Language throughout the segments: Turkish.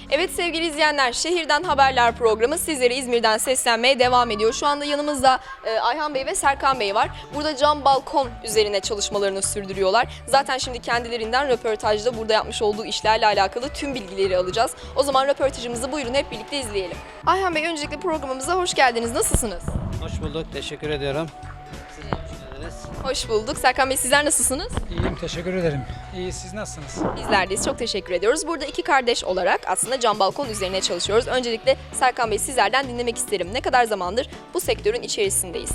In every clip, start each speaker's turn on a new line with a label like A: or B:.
A: Evet sevgili izleyenler, Şehirden Haberler programı sizlere İzmir'den seslenmeye devam ediyor. Şu anda yanımızda Ayhan Bey ve Serkan Bey var. Burada cam balkon üzerine çalışmalarını sürdürüyorlar. Zaten şimdi kendilerinden röportajda burada yapmış olduğu işlerle alakalı tüm bilgileri alacağız. O zaman röportajımızı buyurun hep birlikte izleyelim. Ayhan Bey, öncelikle programımıza hoş geldiniz. Nasılsınız?
B: Hoş bulduk, teşekkür ediyorum. Siz de hoş geldiniz.
A: Hoş bulduk. Serkan Bey, sizler nasılsınız?
C: İyiyim, teşekkür ederim. İyi, siz nasılsınız?
A: Bizler deyiz. Çok teşekkür ediyoruz. Burada iki kardeş olarak aslında cam balkon üzerine çalışıyoruz. Öncelikle Serkan Bey, sizlerden dinlemek isterim. Ne kadar zamandır bu sektörün içerisindeyiz?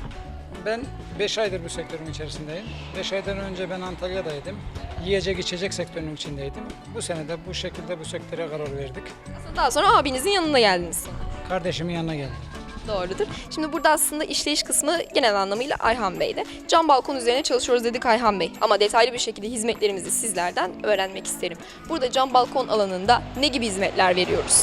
C: Ben 5 aydır bu sektörün içerisindeyim. 5 aydan önce ben Antalya'daydım. Yiyecek içecek sektörünün içindeydim. Bu sene de bu şekilde bu sektöre karar verdik.
A: Aslında daha sonra abinizin yanına geldiniz.
C: Kardeşimin yanına geldim.
A: Doğrudur. Şimdi burada aslında işleyiş kısmı genel anlamıyla Ayhan Bey'de. Cam balkon üzerine çalışıyoruz dedik Ayhan Bey. Ama detaylı bir şekilde hizmetlerimizi sizlerden öğrenmek isterim. Burada cam balkon alanında ne gibi hizmetler veriyoruz?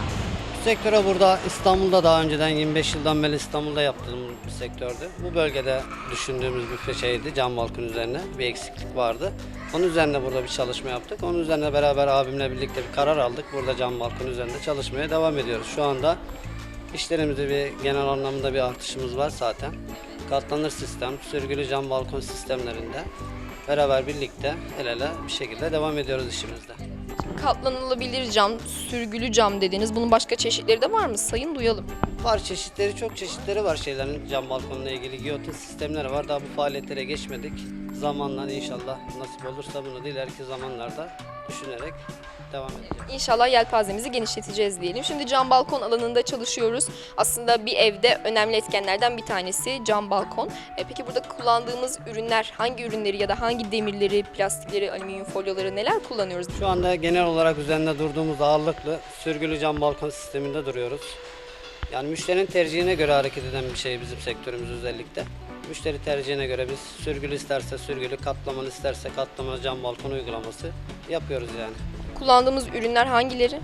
B: Bu sektöre burada İstanbul'da daha önceden 25 yıldan beri İstanbul'da yaptığım bir sektördü. Bu bölgede düşündüğümüz bir şeydi, cam balkon üzerine bir eksiklik vardı. Onun üzerine burada bir çalışma yaptık. Onun üzerine beraber abimle birlikte bir karar aldık. Burada cam balkon üzerinde çalışmaya devam ediyoruz. Şu anda İşlerimizde bir genel anlamda bir artışımız var zaten. Katlanır sistem, sürgülü cam balkon sistemlerinde beraber birlikte el ele bir şekilde devam ediyoruz işimizde.
A: Katlanılabilir cam, sürgülü cam dediniz. Bunun başka çeşitleri de var mı? Sayın duyalım.
B: Var çeşitleri, çok çeşitleri var şeylerin, cam balkonla ilgili giyotin sistemleri var. Daha bu faaliyetlere geçmedik. Zamanla inşallah nasip olursa bunu da ileriki zamanlarda düşünerek devam edeceğiz.
A: İnşallah yelpazemizi genişleteceğiz diyelim. Şimdi cam balkon alanında çalışıyoruz. Aslında bir evde önemli etkenlerden bir tanesi cam balkon. Peki burada kullandığımız ürünler, hangi ürünleri ya da hangi demirleri, plastikleri, alüminyum folyoları neler kullanıyoruz?
B: Şu anda genel olarak üzerinde durduğumuz ağırlıklı sürgülü cam balkon sisteminde duruyoruz. Yani müşterinin tercihine göre hareket eden bir şey bizim sektörümüz özellikle. Müşteri tercihine göre biz sürgülü isterse sürgülü, katlamalı isterse katlamalı cam balkon uygulaması yapıyoruz yani.
A: Kullandığımız ürünler hangileri?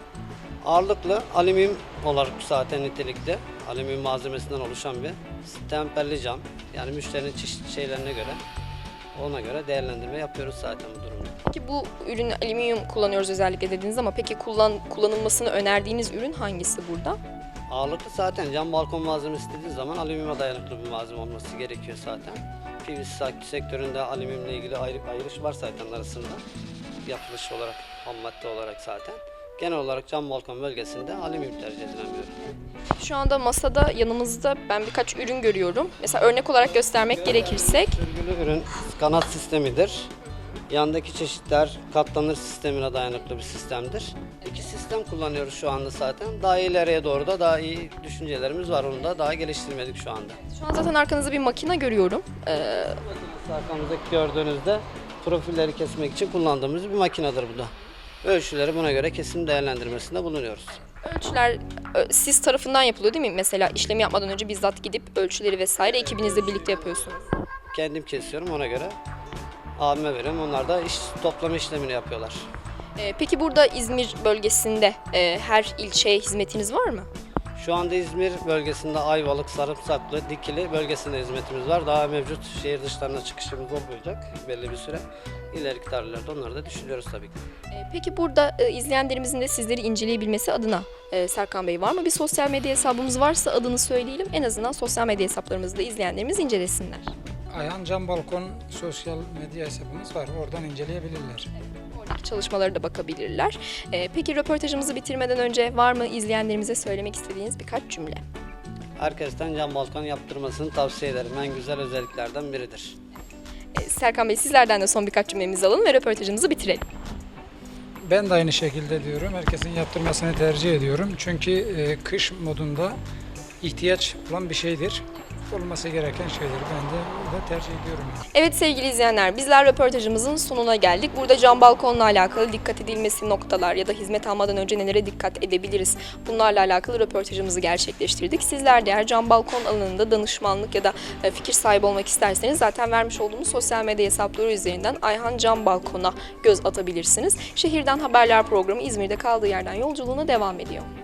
B: Ağırlıklı alüminyum olarak zaten nitelikli, alüminyum malzemesinden oluşan bir temperli cam. Yani müşterinin çeşitli şeylerine göre, ona göre değerlendirme yapıyoruz zaten bu durumda.
A: Peki bu ürün alüminyum kullanıyoruz özellikle dediniz ama peki kullanılmasını önerdiğiniz ürün hangisi burada?
B: Ağırlıklı zaten cam balkon malzemesi dediği zaman alüminyuma dayanıklı bir malzeme olması gerekiyor zaten. PVC sektöründe alüminyumla ilgili ayrış var zaten arasında. Yapılış olarak, ham madde olarak zaten. Genel olarak cam balkon bölgesinde alüminyum tercih edilen bir ürün.
A: Şu anda masada yanımızda ben birkaç ürün görüyorum. Mesela örnek olarak göstermek gerekirsek.
B: Sürgülü ürün kanat sistemidir. Yandaki çeşitler katlanır sistemine dayanıklı bir sistemdir. İki sistem kullanıyoruz şu anda zaten. Daha ileriye doğru da daha iyi düşüncelerimiz var. Onu da daha geliştirmedik şu anda.
A: Şu an zaten arkanızda bir makine görüyorum.
B: Arkamızdaki gördüğünüzde profilleri kesmek için kullandığımız bir makinedir bu da. Ölçüleri buna göre kesim değerlendirmesinde bulunuyoruz.
A: Ölçüler siz tarafından yapılıyor değil mi? Mesela işlemi yapmadan önce bizzat gidip ölçüleri vesaire ekibinizle birlikte yapıyorsunuz.
B: Kendim kesiyorum, ona göre abime veriyorum. Onlar da toplama işlemini yapıyorlar.
A: Peki burada İzmir bölgesinde her ilçeye hizmetiniz var mı?
B: Şu anda İzmir bölgesinde Ayvalık, Sarımsaklı, Dikili bölgesinde hizmetimiz var. Daha mevcut şehir dışlarına çıkışımız olmayacak belli bir süre. İleriki tarihlerde onları da düşünüyoruz tabii ki.
A: Peki burada izleyenlerimizin de sizleri inceleyebilmesi adına Serkan Bey, var mı bir sosyal medya hesabımız? Varsa adını söyleyelim. En azından sosyal medya hesaplarımızda izleyenlerimiz incelesinler.
C: Ayhan Cam Balkon sosyal medya hesabımız var. Oradan inceleyebilirler.
A: Oradaki çalışmalara da bakabilirler. Peki röportajımızı bitirmeden önce var mı izleyenlerimize söylemek istediğiniz birkaç cümle?
B: Herkesten cam balkon yaptırmasını tavsiye ederim. En güzel özelliklerden biridir.
A: Serkan Bey, sizlerden de son birkaç cümlemizi alalım ve röportajımızı bitirelim.
C: Ben de aynı şekilde diyorum. Herkesin yaptırmasını tercih ediyorum. Çünkü kış modunda ihtiyaç olan bir şeydir. Olması gereken şeydir. Ben de tercih ediyorum.
A: Evet sevgili izleyenler, bizler röportajımızın sonuna geldik. Burada cam balkonla alakalı dikkat edilmesi noktalar ya da hizmet almadan önce nelere dikkat edebiliriz? Bunlarla alakalı röportajımızı gerçekleştirdik. Sizler de eğer cam balkon alanında danışmanlık ya da fikir sahibi olmak isterseniz zaten vermiş olduğumuz sosyal medya hesapları üzerinden Ayhan Cam Balkon'a göz atabilirsiniz. Şehirden Haberler programı İzmir'de kaldığı yerden yolculuğuna devam ediyor.